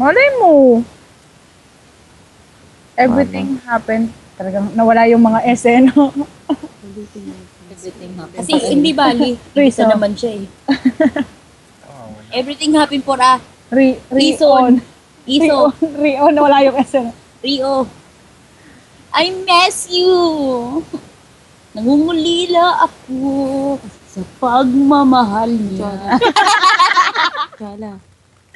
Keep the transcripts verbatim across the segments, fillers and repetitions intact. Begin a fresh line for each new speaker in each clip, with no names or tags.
Malay mo. Everything happened. Talagang nawala yung mga esena.
Everything happens.
Everything happens.
Kasi hindi bali.
Reason.
Isa naman siya eh.
Oh, wala.
Everything happened for a
Re,
reason.
Re-on.
Iso.
Re-on. Nawala yung esena.
Rio. I miss you. Nangungulila ako sa pagmamahal niya.
Kala.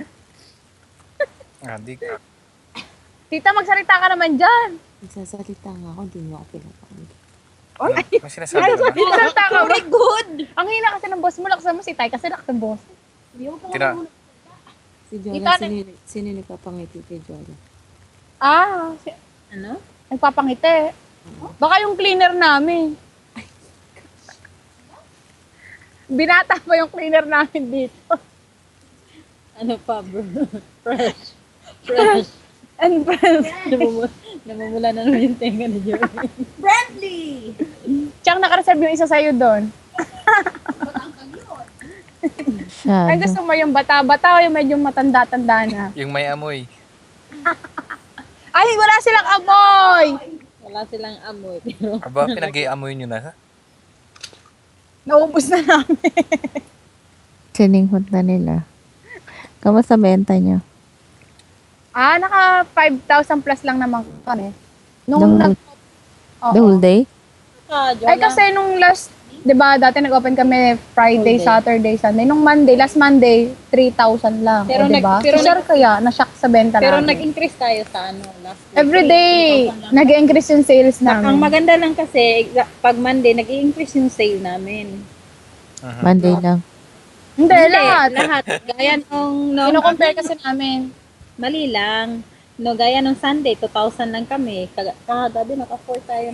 Ah, di ka.
Tita, magsalita ka naman dyan.
Nagsasalita nga ako, hindi mo ako pinapakinig.
Ano, may sinasabi ka ba?
Magsalita ka ba?
Very good.
Ang hina kasi ng boss mo. Laksan mo si Tay kasi laksan boss.
Tira.
Si Jola,
Kita na-
sino, sino nagpapangiti kay Jola?
Ah, si,
Ano?
nagpapangiti. Baka yung cleaner namin. Binata pa yung cleaner namin dito.
Ano pa, bro? Fresh. Fresh.
And friends,
Namumula, namumula na naman yung tenga ni Joey.
Friendly.
tsaka nakareserve yung isa sa'yo doon. Ay, gusto mo yung bata-bata o yung medyo matanda-tanda na?
Yung may amoy.
Ay, wala silang amoy!
Wala silang amoy. Pero
Aba, pinag-i-amoy nyo na, ha?
Naubos na namin.
Sininghot na nila. Kamusta benta nyo?
Ah, naka five thousand plus lang naman kami.
The
Nung
whole,
nag...
the whole
Oo.
day?
ah, Jola.
Ay, kasi nung last, di ba, dati nag-open kami Friday,
Whole day.
Saturday, Sunday. Nung Monday, last Monday, three thousand lang.
Pero
Pero di ba?
nag- pero
So, sure kaya, na-shock sa benta
Pero
namin.
nag-increase tayo sa ano last week.
Every day, nag-increase yung sales
Ang
namin.
maganda lang kasi, exa- pag Monday, nag-i-increase yung sale namin.
Mhm.
Monday lang.
Hindi, lahat.
Lahat. Gaya nung, nung
Kino-compare kasi namin.
mali lang. No, gaya nung Sunday, two thousand lang kami. Kag- Kahagabi, naka-four tayo.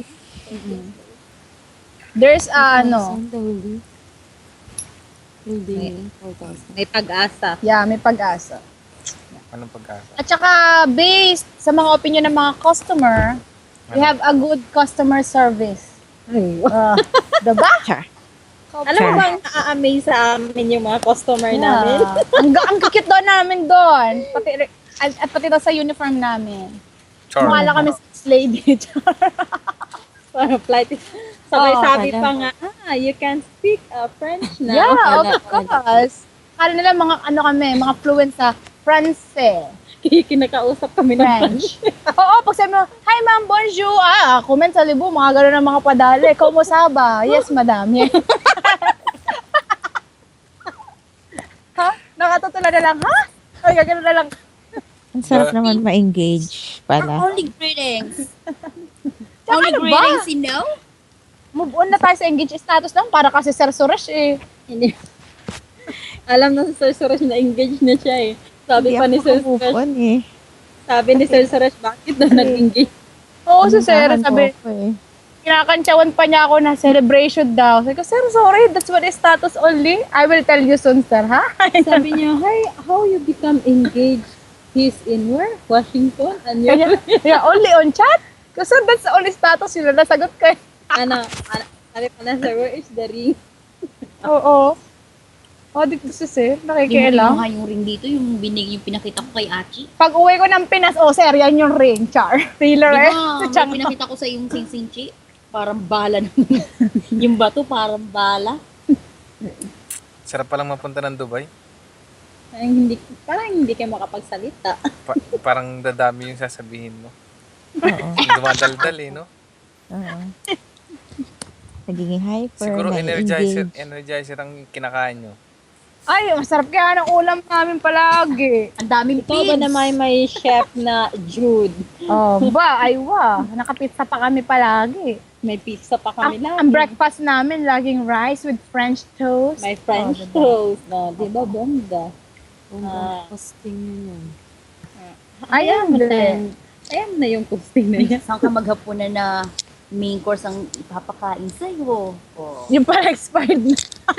There's, uh, ano,
Saan the whole day? Whole day yun, four thousand.
May pag-asa.
yeah, may pag-asa.
Anong pag-asa?
At saka, based sa mga opinion ng mga customer, we have a good customer service. Uh, diba?
Alam mo bang na-amaze sa amin yung mga customer namin?
Yeah. ang, ga- ang cute doon namin doon. Pati, at, at pati daw sa uniform namin.
Char.
Mukha lang kami six lady.
Parang flight. Sabay
Oo,
sabi
pala.
pa nga, ah, you can speak uh, French now.
yeah,
Wala,
of course. Kala nila mga ano kami, mga fluent sa France eh.
Kinakausap kami ng French.
French. Oo, pag sabi mo, hi ma'am, bonjour. Ah, comment sa libo, mga gano'n ang mga padali. Kumusta ba? Yes, madam. Yeah. Ha? Nakatutula na lang, ha? Ay, gano'n na lang.
Ang sarap naman ma-engage pala.
Only greetings.
Tsaka
Only
ano ba?
greetings, you know?
Move on na tayo sa engage status lang para kasi Sir Suresh eh.
Hindi. Alam na si Sir Suresh na engaged na siya eh. Sabi
Hindi
pa ni
ako
Sir
move
Suresh,
on eh.
sabi ni Sir Suresh, bakit na nag-engage?
Oo, si Sir,
Unahan ko
sabi,
ako eh.
kinakantsawan pa niya ako na celebration daw. Sabi ko, Sir, sorry, that's what is status only. I will tell you soon, Sir, ha?
Sabi niya, hi, how you become engaged? He's in where? Washington? And you
Kanya, yeah, only on chat? Kasi that's the only status yun na nasagot ko. eh.
ano, ano, sabi pa na, sir, where is the ring?
Oo. Oh, dito si Sir,
Yung, yung
nakikialam.
nga yung ring dito, yung binig, yung pinakita ko kay Achi.
Pag uwi ko ng Pinas, oh, Sir, yan yung ring, char.
Di
Thriller eh.
ba,
Tsaka-
may pinakita ko sa yung sing-sing-chi. Parang bala naman. Yung bato, parang bala.
Sarap palang mapunta ng Dubai.
Parang hindi, parang hindi kayo makapagsalita.
Pa- parang dadami yung sasabihin mo.
Oo.
Dumadaldal eh, no?
Oo. Nagiging hyper,
Siguro energizer,
na-engage.
energizer ang kinakain nyo.
Ay, masarap kaya ng ulam namin palagi.
Ang daming
Ikaw ba
pins.
naman may chef na Jude?
Oh, ba, ay wa. Nakapizza pa kami palagi.
May pizza pa kami
Ang,
lagi.
ang breakfast namin, laging rice with French toast.
May French
Oh, diba?
toast. No, di ba, bongga?
Kung
Ah.
posting nyo yan.
Ay,
Ayan mo
hindi.
na. Ayan mo na yung posting na yan.
Saan ka maghapunan na main course ang ipapakain sa'yo? Oh.
Yung pala expired na.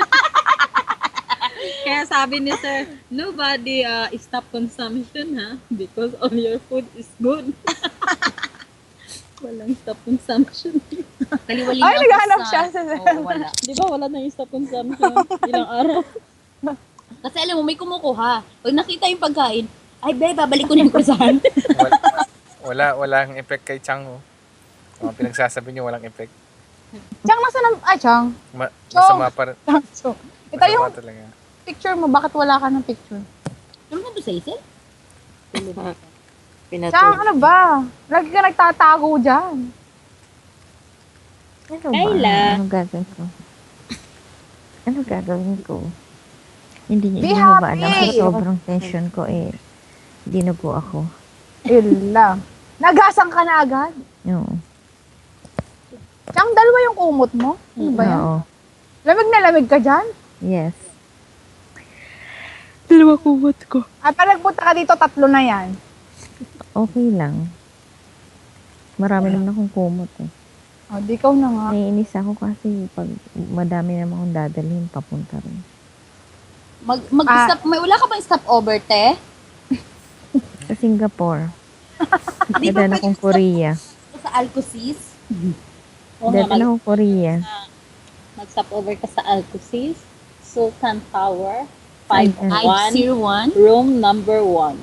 Kaya sabi ni sir, nobody uh, stop consumption ha because all your food is good. Walang stop consumption.
Kaliwali
Ay,
na
naghahanap
sa-
siya sa-
Oo, wala.
Di ba wala na yung stop consumption? Ilang araw.
Kasi alam mo, may kumukuha. Pag nakita yung pagkain, Ay, be, babalik ko na yung croissant.
Wala, wala, walang effect kay Chang, oh. Mga pinagsasabi niyo, walang effect.
Chang, nasa na... Ay, Chang.
Ma-
Chong.
masama pa rin.
Chang, so, ito
Masama
yung
talaga.
picture mo. Bakit wala ka ng picture?
Tulungan doon sa isip?
Chang,
Pinatulog.
ano ba? Lagi ka nagtatago dyan.
Ano ba?
Kayla.
Ano gagawin ko? Ano gagawin ko? Hindi niyo
Be
hindi mo ba alam
happy!
sa sobrang tension ko eh. Dinugo ako.
Yun lang. Nagasang ka na agad.
Oo.
Chang, dalawa yung kumot mo. Ano ba yan?
Oo.
Lamig na lamig ka dyan?
Yes.
Dalawa kumot ko.
At pag nagpunta ka dito, tatlo na yan.
Okay lang. Marami naman akong kumot eh.
O, di ikaw na nga.
Naiinis ako kasi pag madami naman akong dadalhin, papunta rin.
Mag, mag-stop, may wala ka bang stop over, te?
Sa Singapore.
Di ba
Dadala akong Korea.
sa Alcosis? Oo nga,
Dadala akong Korea.
mag-stop over ka sa Alcosis, Sultan Tower, five
Ay, ay.
five zero one, room number one.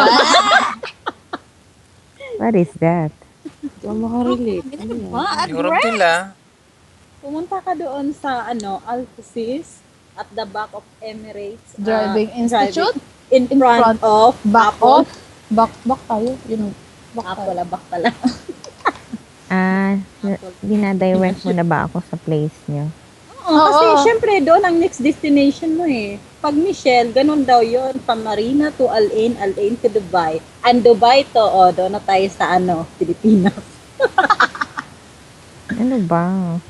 What is that?
Hindi ako makarelate. Ano yan?
Ah, at
Yung room nila,
Pumunta ka doon sa ano, Alcosis at the back of Emirates uh,
Driving Institute?
in,
In
front,
front,
of
Back
Apple.
off. Back, back tayo. Yun. Back
ah,
tayo.
wala, back pala.
Ah, dinadirect mo na ba ako sa place niyo?
Oo, kasi
Oo.
syempre doon ang next destination mo eh. Pag Michelle, ganun daw yon, from Marina to Al Ain, Al Ain to Dubai. And Dubai to, oh, doon na tayo sa ano, Pilipinas.
Ano ba?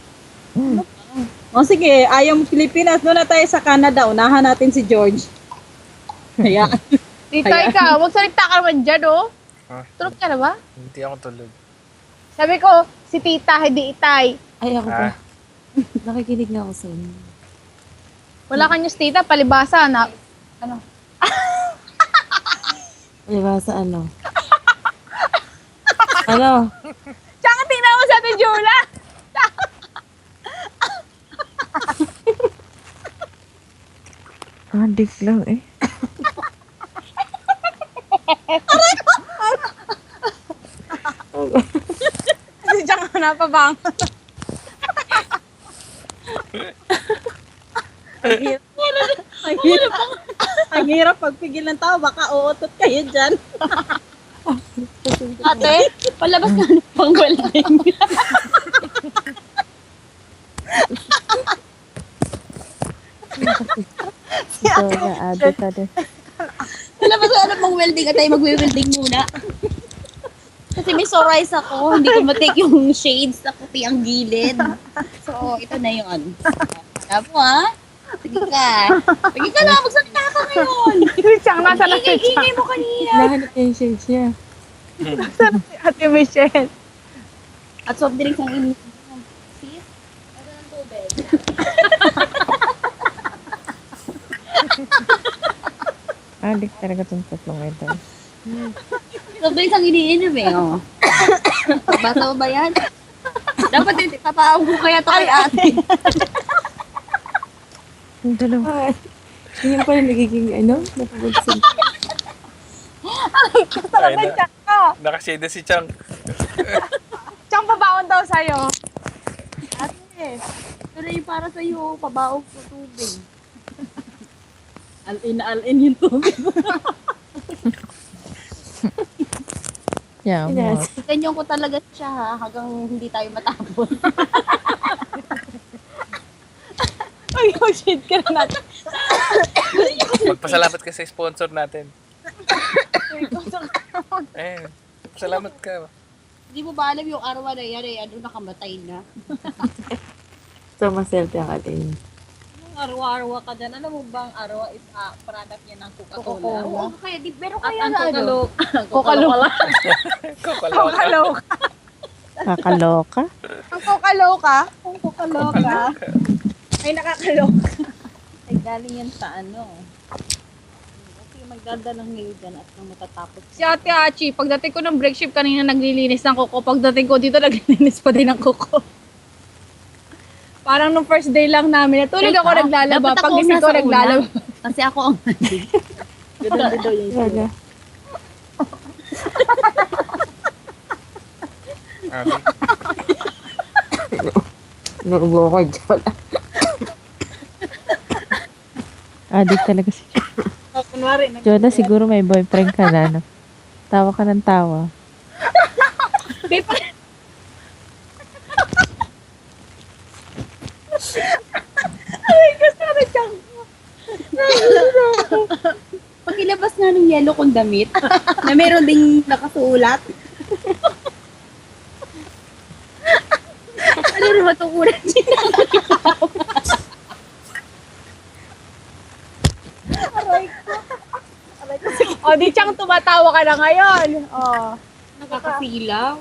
O sige, ayaw mo Pilipinas, doon na tayo sa Canada. Unahan natin si George. Kaya,
Tita,
Kaya-
ikaw, magsalita ka naman dyan, oh.
Ah.
Tulog ka na ba?
hindi ako tulog.
Sabi ko, si tita, hindi itay.
Ay, ako ba?
Ah,
Nakikinig na ako sa inyo.
Wala ka news, tita, palibasa na. Ano?
Di ba sa ano? Ano?
Tsaka tingnan mo sa atin, Jula.
Addict lang eh.
Kasi tsaka napabang.
ang hirap, ang hirap, ang hirap pagpigil ng tao, baka uutot kayo dyan.
Ate, palabas ka na pang welding.
Ito na addict ka din.
Palabas ka na pang welding at tayo magwe-welding muna. Kasi may sorize ako, hindi ko matake yung shades sa puti ang gilid. So, ito na yun. Alam mo ha? Sige ka. Sige ka lang, magsalita ka ngayon.
Tsaka nasa na si Tsaka.
Ingay mo kanina.
Nahanap niya yung shades niya.
Nasa na si Ate Michelle.
At soft drinks ang initin mo. Sis, ano ng tubig?
Addict talaga itong tatlong ito.
Soft drinks ang iniinom eh. Oh. Basa mo ba yan? Dapat din, papaawag ko kaya to kay ate.
Yung dalawa.
Ay, yun pala nagiging ano? Napabagsin.
ay, na, nakashade si Chang.
Tsaka pabaon daw sa'yo.
Ate, pero yung para sa'yo, pabaog ko tubig.
Al-in na al-in yung tubig.
Yeah, mo.
Yes.
Ganyan ko talaga siya ha, hanggang hindi tayo matapos.
Ay, oh shit ka na natin.
Magpasalamat ka sa sponsor natin. Eh, salamat ka.
Hindi mo ba alam yung araw na yan eh, ano nakamatay na?
So, maserte ang atin.
Arwa-arwa ka dyan. Alam mo bang arwa is uh, product niya ng Coca-Cola?
Coca-Cola.
Oo, kaya di, pero
At
kaya
ang
na ano?
Coca-Cola.
Coca-Loka.
Kokaloka.
Coca-Loka.
Kakaloka.
Ang Coca-Loka. Ang Coca-Loka. Ay, nakakaloka.
Ay, galing yan sa ano. Okay, magdadalang ngayon dyan at nang matatapos.
Si Ate Achi, pagdating ko ng break shift kanina naglilinis ng kuko. Pagdating ko dito, naglilinis pa din ng kuko. Parang nung first day lang namin, natulog ako
Teka,
naglalaba.
dapat ako
Pag gising ko
nasa una.
naglalaba.
Kasi ako ang
Ganun din daw yung
Talaga.
Adik.
Naubo ko dyan. Adik talaga si Jola.
Oh, kunwari, nag-
Jola, siguro may boyfriend ka na, no? Tawa ka ng tawa.
Babe, pa- Pakilabas nga ng yellow kong damit na meron ding nakasulat. Ano rin matukuran siya?
O, di Chang, tumatawa ka na ngayon. O.
Nakakasilaw.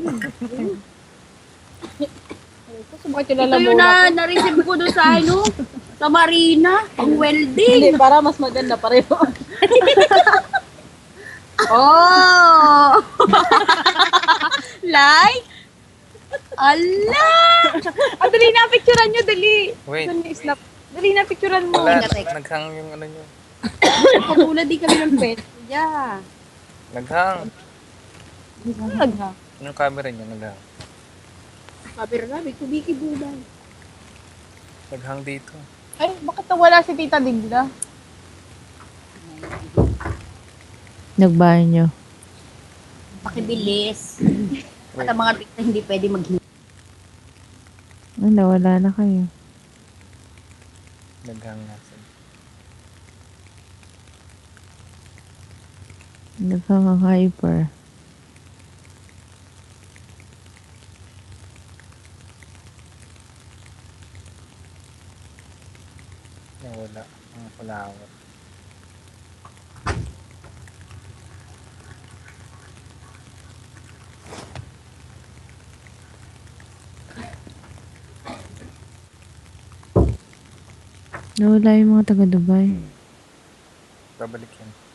Sumakit yung
Ito
lalamunan
yung
ko.
na, na-receive ko doon sa ano, sa Marina, pang welding.
Hindi, para mas maganda pa rin.
Oh! Like? Ala!
Ah, dali na, picturean nyo, dali.
Wait.
Saan yung snap? Dali na, picturean mo.
Wala,
teka.
naghang yung ano nyo.
Patulad din kami ng pet. Yeah.
Naghang.
Nagha.
Yung camera niya, naghang.
Sabi rin namin, kubiki buday.
Naghang dito.
Ay, bakit nawala si Tita Digla?
Nagbanyo.
Pakibilis.
Wait.
At ang mga bikta hindi pwede maghingi.
Ay, nawala na kayo.
Naghang nga siya.
Nagkaka-hyper.
Nawala. Ang flower.
Nawala yung mga taga-Dubai.
Babalik yan.